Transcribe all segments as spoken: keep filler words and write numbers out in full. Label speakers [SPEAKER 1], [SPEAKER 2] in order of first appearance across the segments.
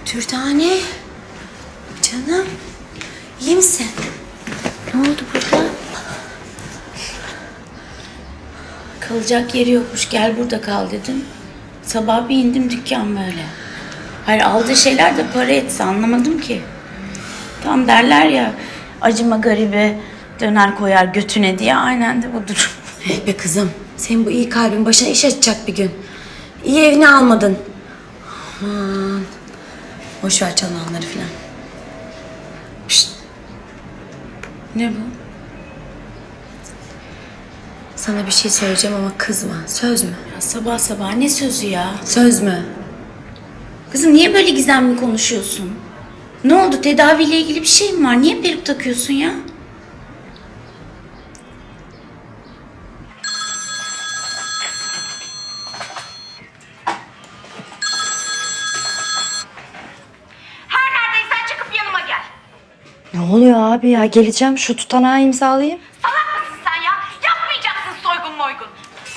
[SPEAKER 1] Dürdane. Canım. İyi misin? Ne oldu burada?
[SPEAKER 2] Kalacak yeri yokmuş. Gel burada kal dedim. Sabah bir indim dükkan böyle. Hayır aldığı şeyler de para etse anlamadım ki. Tam derler ya acıma garibe döner koyar götüne diye aynen de bu durum.
[SPEAKER 1] Eh be kızım. Senin bu iyi kalbin başına iş açacak bir gün. İyi evini almadın. Aman. Boş ver çalanları falan. Pişt.
[SPEAKER 2] Ne bu?
[SPEAKER 1] Sana bir şey söyleyeceğim ama kızma. Söz mü?
[SPEAKER 2] Ya sabah sabah ne sözü ya?
[SPEAKER 1] Söz mü?
[SPEAKER 2] Kızım niye böyle gizemli konuşuyorsun? Ne oldu? Tedaviyle ilgili bir şey mi var? Niye peruk takıyorsun ya?
[SPEAKER 3] Her neredeysen çıkıp yanıma gel.
[SPEAKER 4] Ne oluyor abi ya? Geleceğim, şu tutanağı imzalayayım.
[SPEAKER 3] Salak mısın sen ya? Yapmayacaksın soygun moygun.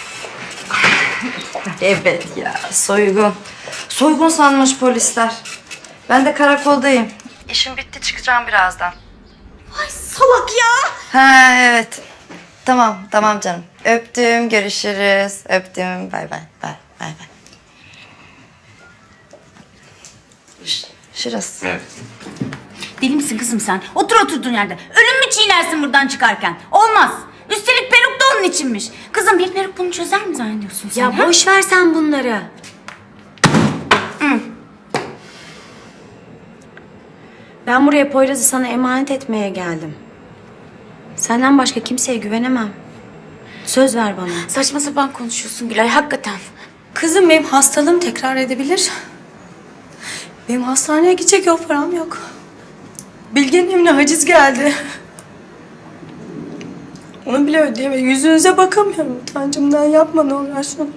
[SPEAKER 4] Evet ya, soygun. Soygun sanmış polisler. Ben de karakoldayım. İşim bitti, çıkacağım birazdan.
[SPEAKER 1] Ay salak ya.
[SPEAKER 4] Ha evet. Tamam, tamam canım. Öptüm, görüşürüz. Öptüm, bay bay, bay bay bay. Ş- Şurası.
[SPEAKER 5] Evet.
[SPEAKER 2] Deli misin kızım sen? Otur oturduğun yerde. Ölüm mü çiğnersin buradan çıkarken? Olmaz. Üstelik peruk da onun içinmiş. Kızım bir peruk bunu çözer mi zannediyorsun sen?
[SPEAKER 1] Ya
[SPEAKER 2] ha?
[SPEAKER 1] boş ver sen bunları. Ben buraya Poyraz'ı sana emanet etmeye geldim. Senden başka kimseye güvenemem. Söz ver bana.
[SPEAKER 2] Saçma sapan konuşuyorsun Gülay hakikaten.
[SPEAKER 1] Kızım benim hastalığım tekrar edebilir. Benim hastaneye gidecek yok, param yok. Bilge'nin evine haciz geldi. Onu bile ödeyemem. Yüzünüze bakamıyorum utancımdan. Yapma ne uğraşsın.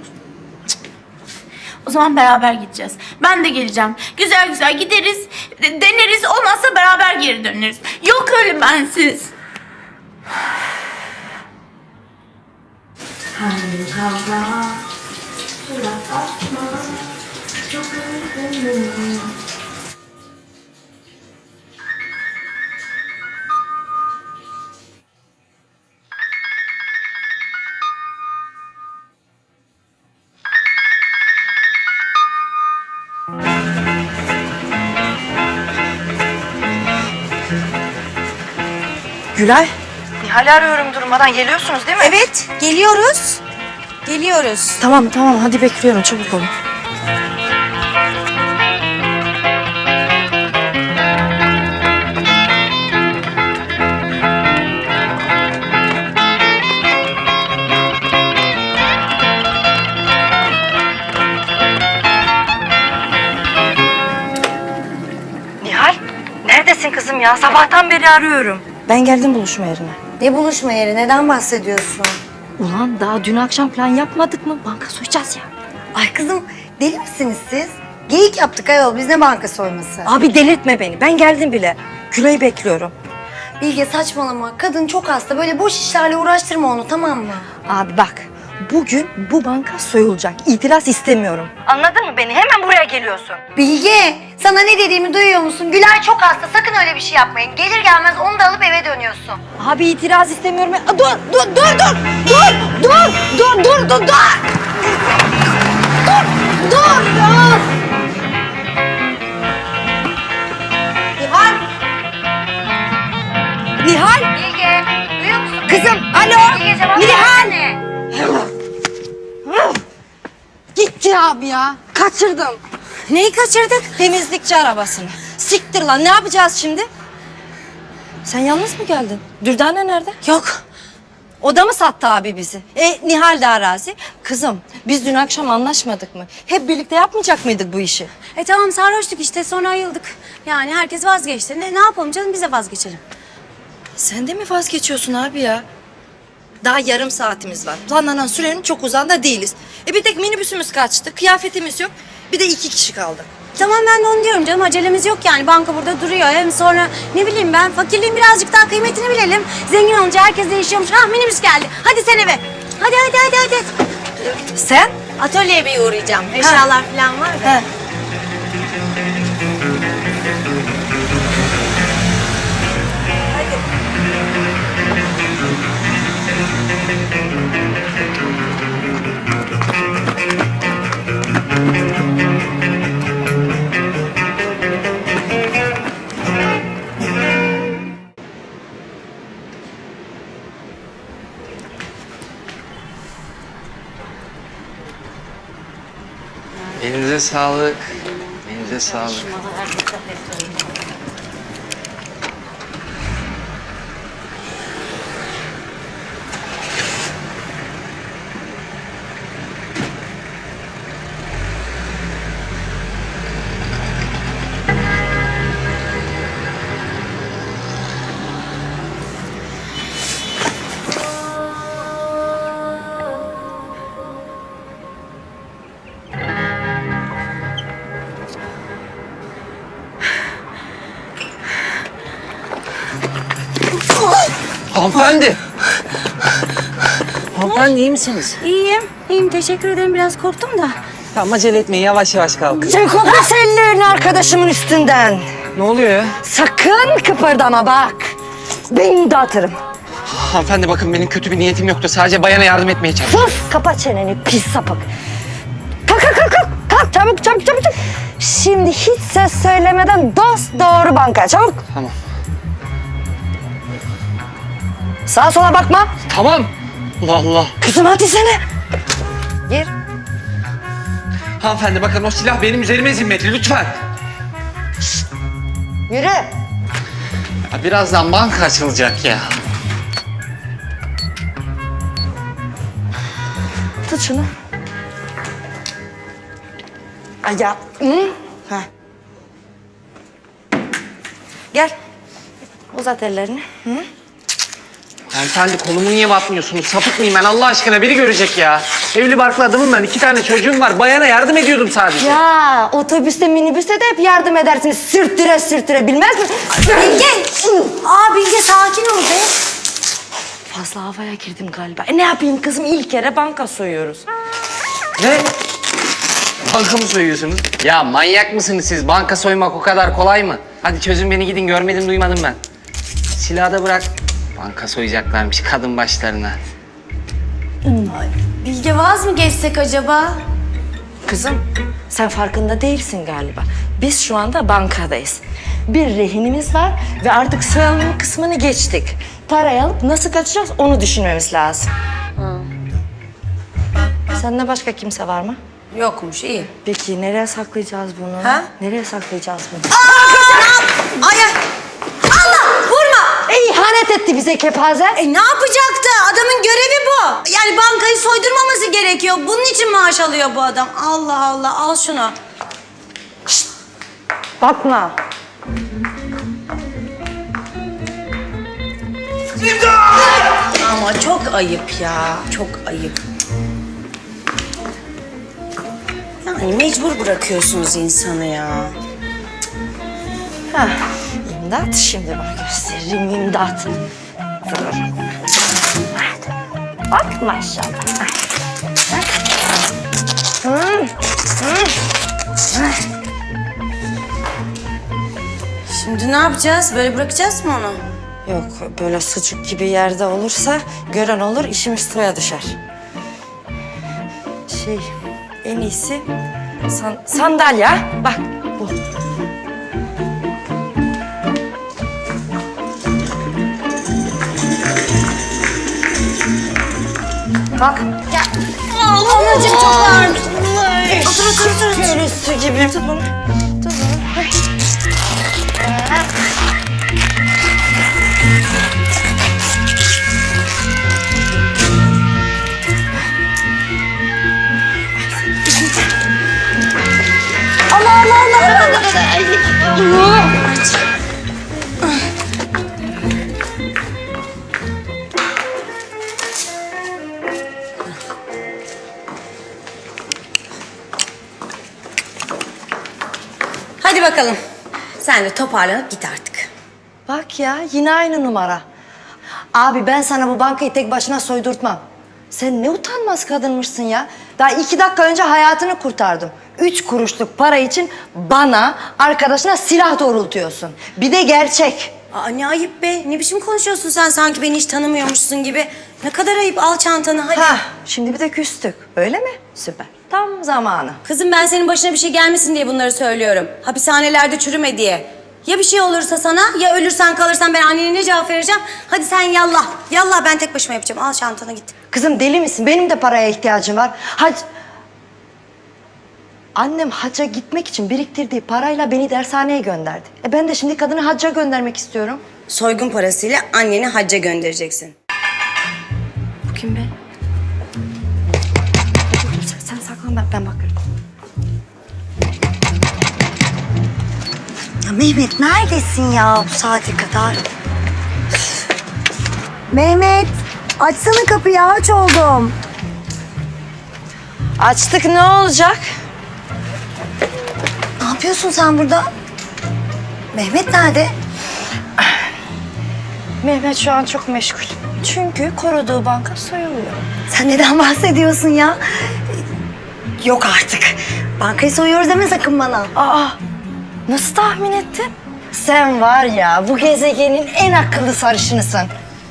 [SPEAKER 2] O zaman beraber gideceğiz. Ben de geleceğim. Güzel güzel gideriz, de- deneriz. Olmazsa beraber geri döneriz. Yok öyle bensiz.
[SPEAKER 4] Gülay. Nihal'i arıyorum durmadan. Geliyorsunuz değil mi?
[SPEAKER 1] Evet, geliyoruz. Geliyoruz.
[SPEAKER 4] Tamam tamam, hadi bekliyorum. Çabuk olun. Nihal, neredesin kızım ya? Sabahtan beri arıyorum. Ben geldim buluşma yerine.
[SPEAKER 1] Ne buluşma yeri? Neden bahsediyorsun?
[SPEAKER 4] Ulan daha dün akşam plan yapmadık mı? Banka soyacağız ya.
[SPEAKER 6] Ay kızım deli misiniz siz? Geyik yaptık ayol, biz ne banka soyması?
[SPEAKER 4] Abi delirtme beni. Ben geldim bile. Gülay'ı bekliyorum.
[SPEAKER 6] Bilge saçmalama, kadın çok hasta, böyle boş işlerle uğraştırma onu, tamam mı?
[SPEAKER 4] Abi bak, bugün bu banka soyulacak. İtiraz istemiyorum. Anladın mı beni? Hemen buraya geliyorsun.
[SPEAKER 6] Bilge, sana ne dediğimi duyuyor musun? Gülay çok hasta, sakın öyle bir şey yapmayın. Gelir gelmez onu da alıp eve dönüyorsun.
[SPEAKER 4] Abi itiraz istemiyorum. Aa, dur, dur, dur, dur, dur, dur, dur, dur, dur, dur. Dur, dur, dur. Nihal. Nihal.
[SPEAKER 6] Bilge, duyuyor musun?
[SPEAKER 4] Kızım, alo.
[SPEAKER 6] Bilge cevap
[SPEAKER 4] Nihal.
[SPEAKER 6] versene.
[SPEAKER 4] Gitti abi ya. Kaçırdım.
[SPEAKER 1] Neyi kaçırdık?
[SPEAKER 4] Temizlikçi arabasını. Siktir lan, ne yapacağız şimdi? Sen yalnız mı geldin? Dürdane nerede?
[SPEAKER 1] Yok.
[SPEAKER 4] O da mı sattı abi bizi? E Nihal de arazi. Kızım biz dün akşam anlaşmadık mı? Hep birlikte yapmayacak mıydık bu işi?
[SPEAKER 1] E tamam sarhoştuk işte, sonra ayıldık. Yani herkes vazgeçti. Ne, ne yapalım canım, biz de vazgeçelim.
[SPEAKER 4] Sen de mi vazgeçiyorsun abi ya? Daha yarım saatimiz var. Planlanan sürenin çok uzağında değiliz. E bir tek minibüsümüz kaçtı. Kıyafetimiz yok. Bir de iki kişi kaldık.
[SPEAKER 1] Tamam ben de onu diyorum canım, acelemiz yok yani. Banka burada duruyor. Hem sonra ne bileyim ben, fakirliğin birazcık daha kıymetini bilelim. Zengin olunca herkes değişiyormuş. Ah minibüs geldi. Hadi sen eve. Hadi hadi hadi hadi.
[SPEAKER 4] Sen?
[SPEAKER 1] Atölyeye bir uğrayacağım. Eşyalar falan var da.
[SPEAKER 4] He.
[SPEAKER 5] Elinize sağlık. Elinize sağlık. Hanımefendi. Hanımefendi iyi misiniz?
[SPEAKER 1] İyiyim, iyiyim. Teşekkür ederim. Biraz korktum da.
[SPEAKER 5] Tamam acele etmeyin yavaş yavaş kalkın.
[SPEAKER 4] Çek ellerini arkadaşımın üstünden.
[SPEAKER 5] Ne oluyor ya?
[SPEAKER 4] Sakın kıpırdama bak. Beni dağıtırım.
[SPEAKER 5] Hanımefendi bakın benim kötü bir niyetim yoktu. Sadece bayana yardım etmeye çalıştım.
[SPEAKER 4] Sus, kapa çeneni pis sapık. Kalk kalk kalk kalk. Kalk çabuk çabuk çabuk. çabuk. Şimdi hiç ses söylemeden dost doğru bankaya çabuk.
[SPEAKER 5] Tamam.
[SPEAKER 4] Sağa sola bakma.
[SPEAKER 5] Tamam. Allah Allah.
[SPEAKER 4] Kızım hadi sene. Gir.
[SPEAKER 5] Hanımefendi bakın o silah benim üzerime zimmetli lütfen.
[SPEAKER 4] Yürü.
[SPEAKER 5] Ya birazdan banka açılacak ya.
[SPEAKER 4] Tut şunu. Ay ya. Hı? Ha. Gel. Uzat ellerini. Hı?
[SPEAKER 5] Hanımefendi kolumu niye batmıyorsunuz? Sapık mıyım ben Allah aşkına? Biri görecek ya. Evli barklı adamım ben. İki tane çocuğum var. Bayana yardım ediyordum sadece.
[SPEAKER 4] Ya otobüste minibüste de hep yardım edersiniz. Sürttüre sürttüre bilmez mi?
[SPEAKER 1] Bilge! Aa Bilge sakin ol be.
[SPEAKER 4] Fazla havaya girdim galiba. E ne yapayım kızım? İlk kere banka soyuyoruz.
[SPEAKER 5] Ne? Banka mı soyuyorsunuz? Ya manyak mısınız siz? Banka soymak o kadar kolay mı? Hadi çözün beni gidin. Görmedim duymadım ben. Silahı da bırak. Banka soyacaklarmış kadın başlarına.
[SPEAKER 1] Bilge vaz mı geçsek acaba?
[SPEAKER 4] Kızım sen farkında değilsin galiba. Biz şu anda bankadayız. Bir rehinimiz var ve artık soyalım kısmını geçtik. Parayı alıp nasıl kaçacağız onu düşünmemiz lazım. Sende başka kimse var mı?
[SPEAKER 1] Yokmuş, iyi.
[SPEAKER 4] Peki nereye saklayacağız bunu?
[SPEAKER 1] Ha?
[SPEAKER 4] Nereye saklayacağız bunu?
[SPEAKER 1] Ay ay! Allah! Vurma!
[SPEAKER 4] E, ihanet etti bize kepaze.
[SPEAKER 1] E ne yapacaktı? Adamın görevi bu. Yani bankayı soydurmaması gerekiyor. Bunun için maaş alıyor bu adam. Allah Allah, al şunu.
[SPEAKER 4] Bakma.
[SPEAKER 1] Ama çok ayıp ya, çok ayıp. Yani mecbur bırakıyorsunuz insanı ya.
[SPEAKER 4] Hah, imdat şimdi bak gösteririm imdat. Dur. Bak maşallah. Hı, hı.
[SPEAKER 1] Şimdi ne yapacağız? Böyle bırakacağız mı onu?
[SPEAKER 4] Yok böyle sucuk gibi yerde olursa gören olur işimiz sıraya düşer. Şey en iyisi san, sandalye bak bu. Kalk.
[SPEAKER 1] Ya, anacığım çok ağırmış. Otur otur otur.
[SPEAKER 4] Böyle su gibi. Tut bunu. Tut bunu. Allah Allah Allah.
[SPEAKER 1] Hadi bakalım. Sen de toparlanıp git artık.
[SPEAKER 4] Bak ya yine aynı numara. Abi ben sana bu bankayı tek başına soydurtmam. Sen ne utanmaz kadınmışsın ya. Daha iki dakika önce hayatını kurtardım. Üç kuruşluk para için bana, arkadaşına silah doğrultuyorsun. Bir de gerçek.
[SPEAKER 1] Aa, ne ayıp be. Ne biçim konuşuyorsun sen sanki beni hiç tanımıyormuşsun gibi. Ne kadar ayıp. Al çantanı hadi.
[SPEAKER 4] Ha, şimdi bir de küstük. Öyle mi? Süper. Tam zamanı.
[SPEAKER 1] Kızım ben senin başına bir şey gelmesin diye bunları söylüyorum. Hapishanelerde çürüme diye. Ya bir şey olursa sana ya ölürsen kalırsan ben annene ne cevap vereceğim? Hadi sen yallah. Yallah ben tek başıma yapacağım. Al çantanı git.
[SPEAKER 4] Kızım deli misin? Benim de paraya ihtiyacım var. Hac... Annem hacca gitmek için biriktirdiği parayla beni dershaneye gönderdi. E ben de şimdi kadını hacca göndermek istiyorum.
[SPEAKER 1] Soygun parasıyla anneni hacca göndereceksin.
[SPEAKER 4] Bu kim be? Sen, sen saklan ben, ben bakarım.
[SPEAKER 6] Ya Mehmet neredesin ya bu saate kadar? Mehmet açsana kapıyı, aç oldum.
[SPEAKER 4] Açtık ne olacak?
[SPEAKER 6] Ne yapıyorsun sen burada? Mehmet nerede?
[SPEAKER 4] Mehmet şu an çok meşgul. Çünkü koruduğu banka soyuluyor.
[SPEAKER 6] Sen neden bahsediyorsun ya? Yok artık. Bankayı soyuyoruz deme sakın bana.
[SPEAKER 4] Aa, nasıl tahmin ettin? Sen var ya bu gezegenin en akıllı sarışınısın.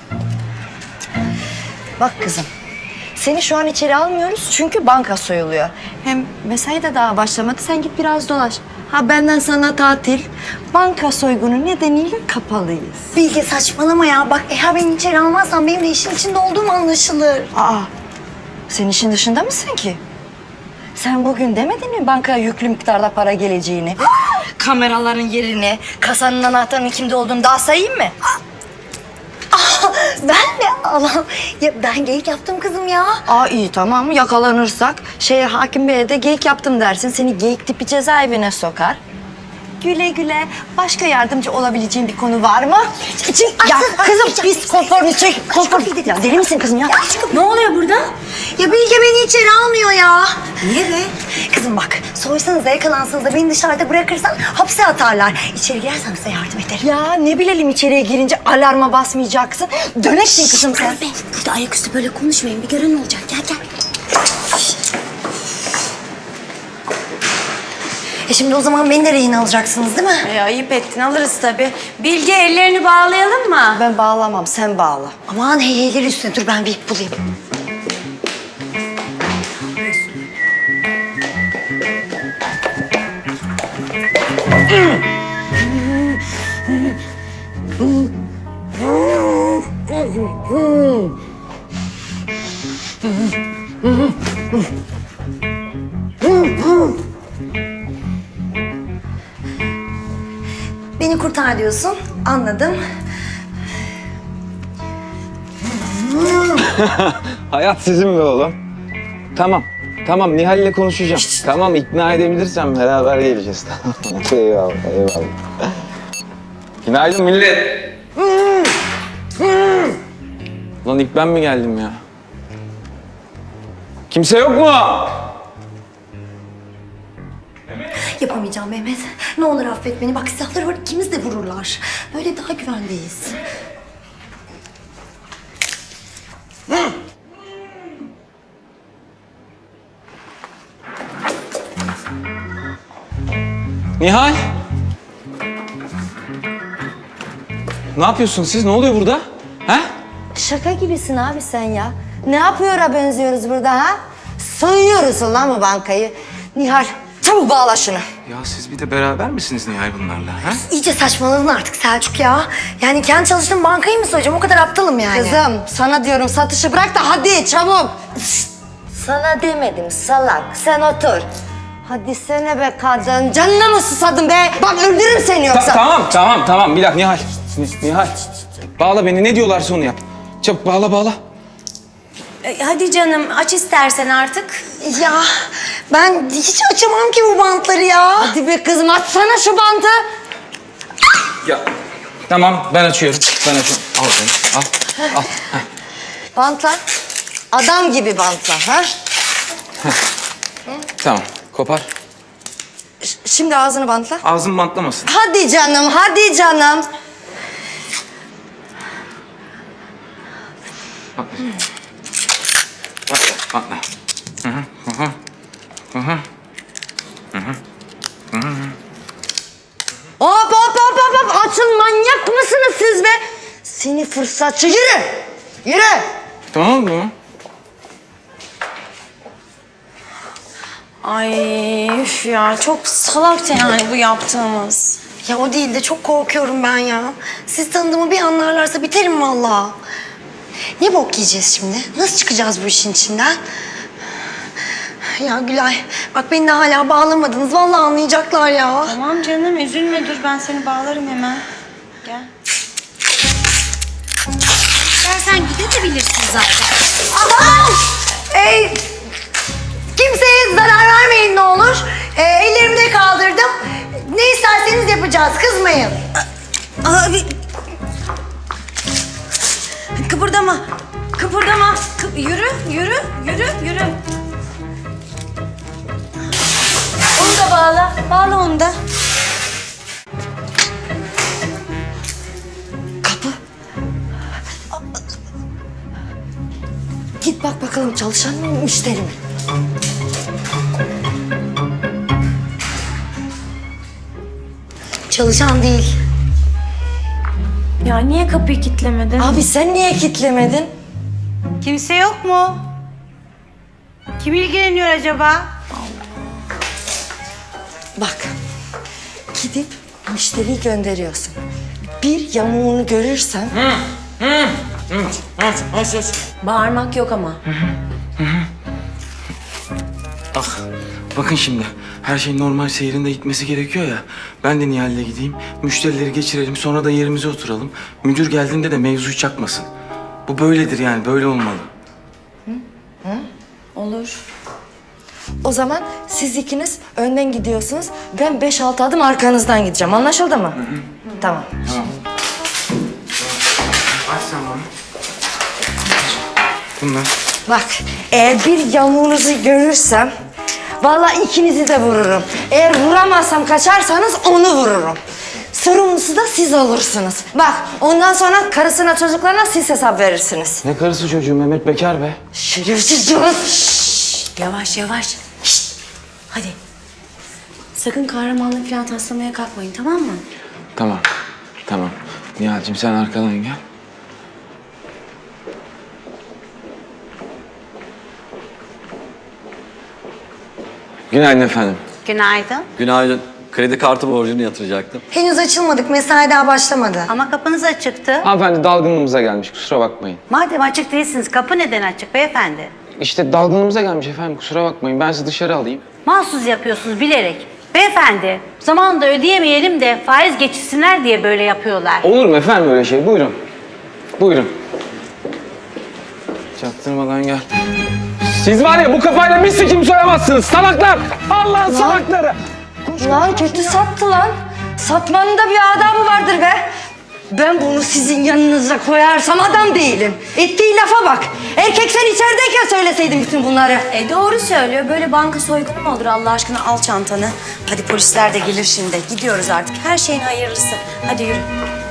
[SPEAKER 4] Bak kızım, seni şu an içeri almıyoruz çünkü banka soyuluyor. Hem mesai de daha başlamadı, sen git biraz dolaş. Ha benden sana tatil, banka soygunu nedeniyle kapalıyız.
[SPEAKER 6] Bilge saçmalama ya. Bak eğer beni içeri almazsan benim de işin içinde olduğum anlaşılır.
[SPEAKER 4] Aa, sen işin dışında mısın ki? Sen bugün demedin mi bankaya yüklü miktarda para geleceğini? Kameraların yerini, kasanın anahtarının kimde olduğunu daha sayayım mı?
[SPEAKER 6] Ah, ben de Allah'ım. Ya ben geyik yaptım kızım ya.
[SPEAKER 4] Aa iyi tamam yakalanırsak şeye hakim beye de geyik yaptım dersin. Seni geyik tipi cezaevine sokar. Güle güle. Başka yardımcı olabileceğin bir konu var mı? İçin... Ya kızım biz konforunu çek. Konfor. Ya deli misin kızım ya?
[SPEAKER 1] Ne oluyor burada?
[SPEAKER 6] Ya Bilge beni içeri almıyor ya. Niye be? Kızım bak soysanız da yakalansanız da beni dışarıda bırakırsan hapse atarlar. İçeri girersem size yardım ederim.
[SPEAKER 4] Ya ne bilelim içeriye girince alarma basmayacaksın. Döneksin kızım sen.
[SPEAKER 1] Be, burada ayaküstü böyle konuşmayın. Bir gören olacak. Gel gel.
[SPEAKER 6] E şimdi o zaman beni de rehin alacaksınız değil mi?
[SPEAKER 1] E, ayıp ettin alırız tabii. Bilge ellerini bağlayalım mı?
[SPEAKER 4] Ben bağlamam sen bağla.
[SPEAKER 6] Aman heyheyleri üstüne dur ben bir ip bulayım. Beni kurtar diyorsun. Anladım.
[SPEAKER 7] Hayat sizin be oğlum. Tamam. Tamam Nihal'le konuşacağım. Tamam ikna edebilirsem beraber geleceğiz. Tamam. eyvallah eyvallah. Günaydın millet. Lan ilk ben mi geldim ya? Kimse yok mu?
[SPEAKER 6] Yapamayacağım Mehmet. Ne olur affet beni. Bak silahları var ikimiz de vururlar. Böyle daha güvendeyiz.
[SPEAKER 7] Nihal. Ne yapıyorsun siz? Ne oluyor burada? Ha?
[SPEAKER 4] Şaka gibisin abi sen ya. Ne yapıyor'a benziyoruz burada ha? Soyuyoruz lan bu bankayı. Nihal çabuk bağla şunu.
[SPEAKER 7] Ya siz bir de beraber misiniz Nihal bunlarla? Ha?
[SPEAKER 6] İyice saçmaladın artık Selçuk ya. Yani kendi çalıştığım bankayı mı soyacağım? O kadar aptalım yani.
[SPEAKER 4] Kızım sana diyorum satışı bırak da hadi çabuk. Sana demedim salak sen otur. Hadi sene be kadın canına mı susadın be? Bak öldürürüm seni
[SPEAKER 7] Ta-
[SPEAKER 4] yoksa.
[SPEAKER 7] tamam tamam tamam bir dakika Nihal. Ni- Nihal. Bağla beni ne diyorlarsa onu yap. Çabuk bağla bağla.
[SPEAKER 1] E, hadi canım aç istersen artık.
[SPEAKER 6] Ya ben hiç açamam ki bu bantları ya.
[SPEAKER 4] Hadi be kızım açsana şu bantı.
[SPEAKER 7] Ya tamam ben açıyorum. Ben açıyorum. Al beni al. Al. Heh.
[SPEAKER 4] Bantla. Adam gibi bantla ha.
[SPEAKER 7] Tamam kopar.
[SPEAKER 4] Ş- Şimdi ağzını bantla.
[SPEAKER 7] Ağzım bantlamasın.
[SPEAKER 4] Hadi canım hadi canım.
[SPEAKER 7] Bantla. Bantla. Hı hı. Hı hı. Hı hı.
[SPEAKER 4] Hop hop hop hop hop açın manyak mısınız fırsatçı. Yürü! Yürü!
[SPEAKER 7] Tamam mı?
[SPEAKER 1] Ay üf ya çok salakça yani bu yaptığımız.
[SPEAKER 6] Ya o değil de çok korkuyorum ben ya. Siz tanıdığımı bir anlarlarsa biterim vallahi. Ne bok yiyeceğiz şimdi? Nasıl çıkacağız bu işin içinden? Ya Gülay, bak beni de hala bağlamadınız. Vallahi anlayacaklar ya.
[SPEAKER 1] Tamam canım üzülme dur ben seni bağlarım hemen. Gel. İstersen gidebilirsin zaten.
[SPEAKER 6] Aman! Ey, kimseye zarar vermeyin ne olur. Ee, ellerimi de kaldırdım. Ne isterseniz yapacağız, kızmayın.
[SPEAKER 1] Abi. Kıpırdama. Kıpırdama. Kı- yürü, yürü, yürü, yürü. Onu da bağla. Bağla onu da.
[SPEAKER 4] Kapı. Git bak bakalım çalışan mı müşteri mi?
[SPEAKER 6] Çalışan değil.
[SPEAKER 1] Ya niye kapıyı kilitlemedin?
[SPEAKER 4] Abi sen niye kilitlemedin?
[SPEAKER 8] Kimse yok mu? Kim ilgileniyor acaba?
[SPEAKER 4] Bak, gidip müşteriyi gönderiyorsun. Bir yamuğunu görürsen...
[SPEAKER 1] Bağırmak yok ama.
[SPEAKER 9] Ah, bakın şimdi. Her şey normal seyrinde gitmesi gerekiyor ya. Ben de Nihal'le gideyim. Müşterileri geçirelim. Sonra da yerimize oturalım. Müdür geldiğinde de mevzuyu çakmasın. Bu böyledir yani. Böyle olmalı.
[SPEAKER 1] Olur.
[SPEAKER 4] O zaman siz ikiniz önden gidiyorsunuz. Ben beş altı adım arkanızdan gideceğim. Anlaşıldı mı? Tamam.
[SPEAKER 9] Aç sen bana. Bunlar.
[SPEAKER 4] Bak, eğer bir yamuğunuzu görürsem... vallahi ikinizi de vururum. Eğer vuramazsam kaçarsanız onu vururum. Sorumlusu da siz olursunuz. Bak, ondan sonra karısına çocuklarına siz hesap verirsiniz.
[SPEAKER 9] Ne karısı çocuğu Mehmet Bekar be.
[SPEAKER 4] Şerefsiz canım.
[SPEAKER 1] Yavaş yavaş. Şşt. Hadi. Sakın kahramanlık falan taslamaya kalkmayın tamam mı?
[SPEAKER 7] Tamam. Tamam. Nihal'cim sen arkadan gel. Günaydın efendim.
[SPEAKER 8] Günaydın.
[SPEAKER 10] Günaydın. Kredi kartı borcunu yatıracaktım.
[SPEAKER 6] Henüz açılmadık, mesai daha başlamadı.
[SPEAKER 8] Ama kapınız açıktı.
[SPEAKER 7] Hanımefendi dalgınlığımıza gelmiş kusura bakmayın.
[SPEAKER 8] Madem açık değilsiniz, kapı neden açık beyefendi?
[SPEAKER 7] İşte dalgınlığımıza gelmiş efendim kusura bakmayın. Ben sizi dışarı alayım.
[SPEAKER 8] Mahsus yapıyorsunuz bilerek. Beyefendi, zamanında ödeyemeyelim de faiz geçsinler diye böyle yapıyorlar.
[SPEAKER 7] Olur mu efendim öyle şey? Buyurun. Buyurun. Çaktırmadan gel. Siz var ya bu kafayla bir sikim soyamazsınız salaklar. Allah'ın salakları.
[SPEAKER 4] Lan kötü sattı lan. Satmanın da bir adabı vardır be. Ben bunu sizin yanınıza koyarsam adam değilim. Ettiği lafa bak. Erkek sen içerideyken söyleseydin bütün bunları.
[SPEAKER 1] E doğru söylüyor. Böyle banka soygunu mu olur Allah aşkına? Al çantanı. Hadi polisler de gelir şimdi. Gidiyoruz artık. Her şeyin hayırlısı. Hadi yürü.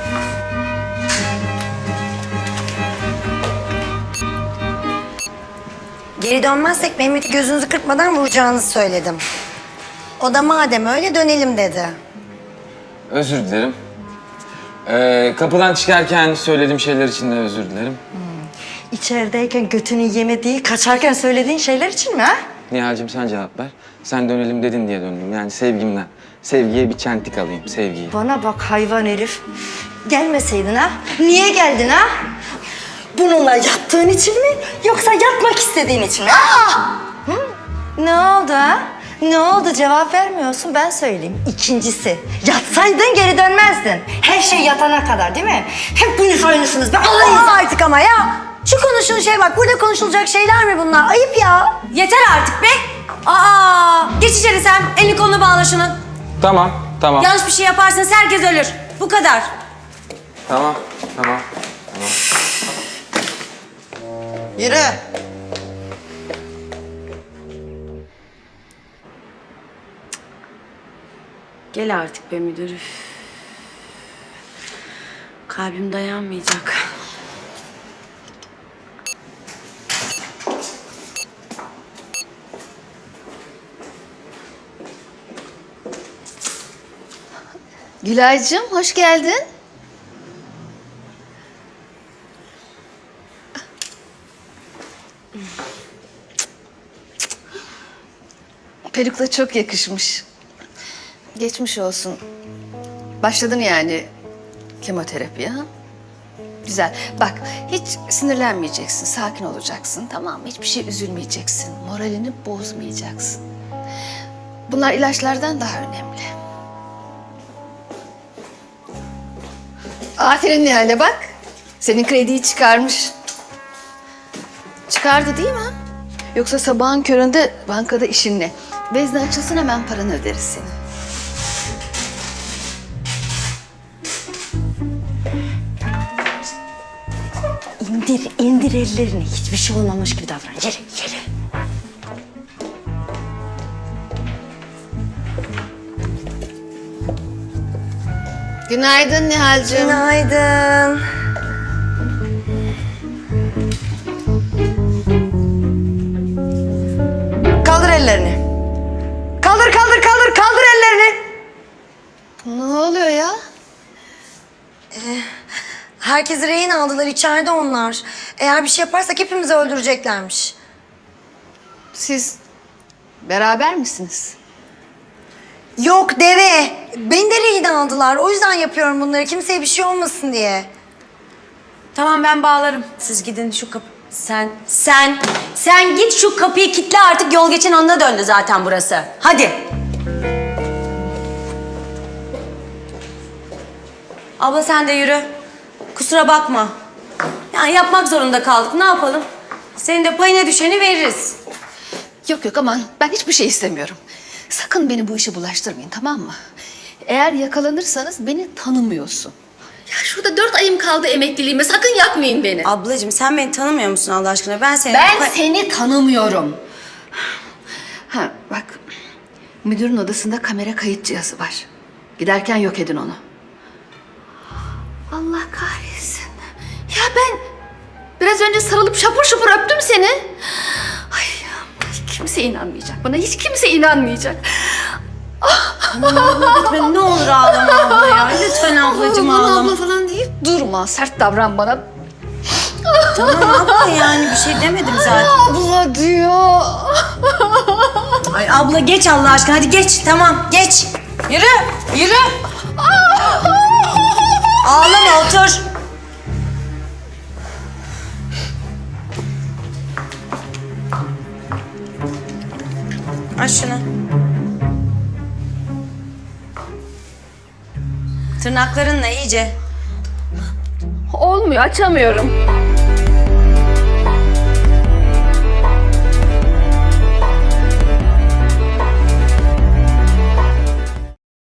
[SPEAKER 6] Geri dönmezsek Mehmet'i gözünüzü kırpmadan vuracağınızı söyledim. O da madem öyle dönelim dedi.
[SPEAKER 7] Özür dilerim. Ee, kapıdan çıkarken söylediğim şeyler için de özür dilerim.
[SPEAKER 4] İçerideyken götünü yemediği, kaçarken söylediğin şeyler için mi ha?
[SPEAKER 7] Nihal'cim sen cevap ver. Sen dönelim dedin diye döndüm. Yani sevgimden. Sevgiye bir çentik alayım, sevgiyi.
[SPEAKER 4] Bana bak hayvan herif. Gelmeseydin ha? Niye geldin ha? Bununla yattığın için mi? Yoksa yatmak istediğin için mi? Aa! Hı? Ne oldu ha? Ne oldu? Cevap vermiyorsun, ben söyleyeyim. İkincisi, yatsaydın geri dönmezdin. Her şey yatana kadar değil mi? Hepiniz aynısınız. Ben alayım.
[SPEAKER 6] Olmaz artık ama ya. Şu konuştuğun şey bak, burada konuşulacak şeyler mi bunlar? Ayıp ya.
[SPEAKER 1] Yeter artık be. Aa! Geç içeri sen. Elini kolunu bağla şunun.
[SPEAKER 7] Tamam, tamam.
[SPEAKER 1] Yanlış bir şey yaparsanız herkes ölür. Bu kadar.
[SPEAKER 7] Tamam, tamam.
[SPEAKER 4] Yürü.
[SPEAKER 1] Gel artık be müdür. Üf. Kalbim dayanmayacak.
[SPEAKER 11] Gülaycığım, hoş geldin. peruk da çok yakışmış. Geçmiş olsun. Başladın yani kemoterapiye ha? Güzel. Bak hiç sinirlenmeyeceksin, sakin olacaksın tamam mı? Hiçbir şey üzülmeyeceksin, moralini bozmayacaksın. Bunlar ilaçlardan daha önemli. Aferin Nihal'e bak. Senin krediyi çıkarmış. Çıkardı değil mi? Yoksa sabahın köründe bankada işin ne? Vezne açılsın hemen paranı öderiz senin.
[SPEAKER 1] İndir, indir ellerini. Hiçbir şey olmamış gibi davran. Yürü, yürü.
[SPEAKER 11] Günaydın Nihal'cığım.
[SPEAKER 6] Günaydın. Kaldır ellerini. Kaldır, kaldır, kaldır, kaldır ellerini.
[SPEAKER 11] Ne oluyor ya?
[SPEAKER 6] Herkesi rehin aldılar, içeride onlar. Eğer bir şey yaparsak hepimizi öldüreceklermiş.
[SPEAKER 11] Siz beraber misiniz?
[SPEAKER 6] Yok deve. Beni de rehin aldılar. O yüzden yapıyorum bunları. Kimseye bir şey olmasın diye.
[SPEAKER 1] Tamam ben bağlarım. Siz gidin şu kapı... Sen, sen, sen git şu kapıyı kilitle artık yol geçen anına döndü zaten burası. Hadi. Abla sen de yürü. Kusura bakma. Yani yapmak zorunda kaldık. Ne yapalım? Senin de payına düşeni veririz.
[SPEAKER 11] Yok yok aman ben hiçbir şey istemiyorum. Sakın beni bu işe bulaştırmayın tamam mı? Eğer yakalanırsanız beni tanımıyorsun. Ya şurada dört ayım kaldı emekliliğime sakın yakmayın beni.
[SPEAKER 1] Ablacığım sen beni tanımıyor musun Allah aşkına? Ben seni...
[SPEAKER 11] Ben seni tanımıyorum. Ha bak müdürün odasında kamera kayıt cihazı var. Giderken yok edin onu. Allah kahretsin. Ya ben biraz önce sarılıp şapur şupur öptüm seni. Ay hiç kimse inanmayacak bana. Hiç kimse inanmayacak.
[SPEAKER 1] Aman abla lütfen ne olur ağlama abla ya. Lütfen ablacığım
[SPEAKER 11] Aman
[SPEAKER 1] ağlama.
[SPEAKER 11] abla falan deyip durma. Sert davran bana.
[SPEAKER 1] Tamam abla yani bir şey demedim zaten.
[SPEAKER 11] Abla diyor.
[SPEAKER 1] Ay abla geç Allah aşkına hadi geç tamam geç. Yürü yürü. Ağlama otur. Aç şunu. Tırnaklarınla iyice.
[SPEAKER 11] Olmuyor açamıyorum.